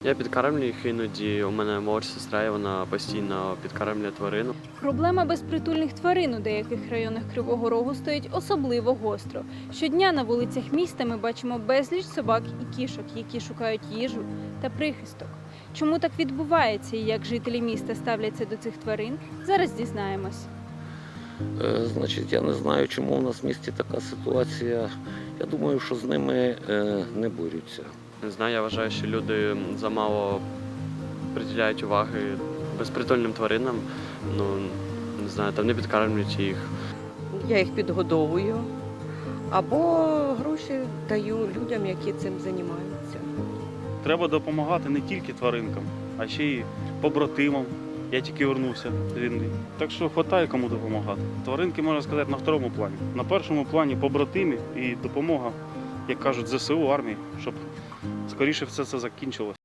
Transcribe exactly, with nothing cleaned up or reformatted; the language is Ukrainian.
Я підкармлюю їх іноді. У мене молодша сестра, і вона постійно підкармлює тварину. Проблема безпритульних тварин у деяких районах Кривого Рогу стоїть особливо гостро. Щодня на вулицях міста ми бачимо безліч собак і кішок, які шукають їжу та прихисток. Чому так відбувається і як жителі міста ставляться до цих тварин, зараз дізнаємось. Е, Значить, я не знаю, чому у нас в місті така ситуація. Я думаю, що з ними е, не борються. Не знаю, я вважаю, що люди замало приділяють уваги безпритульним тваринам. Ну, не знаю, там не підкармлюють їх. Я їх підгодовую або гроші даю людям, які цим займаються. Треба допомагати не тільки тваринкам, а ще й побратимам. Я тільки вернувся з війни. Так що вистачає кому допомагати. Тваринки, можна сказати, на второму плані. На першому плані побратимі і допомога, як кажуть, зе се у, армії, щоб скоріше все це закінчилося.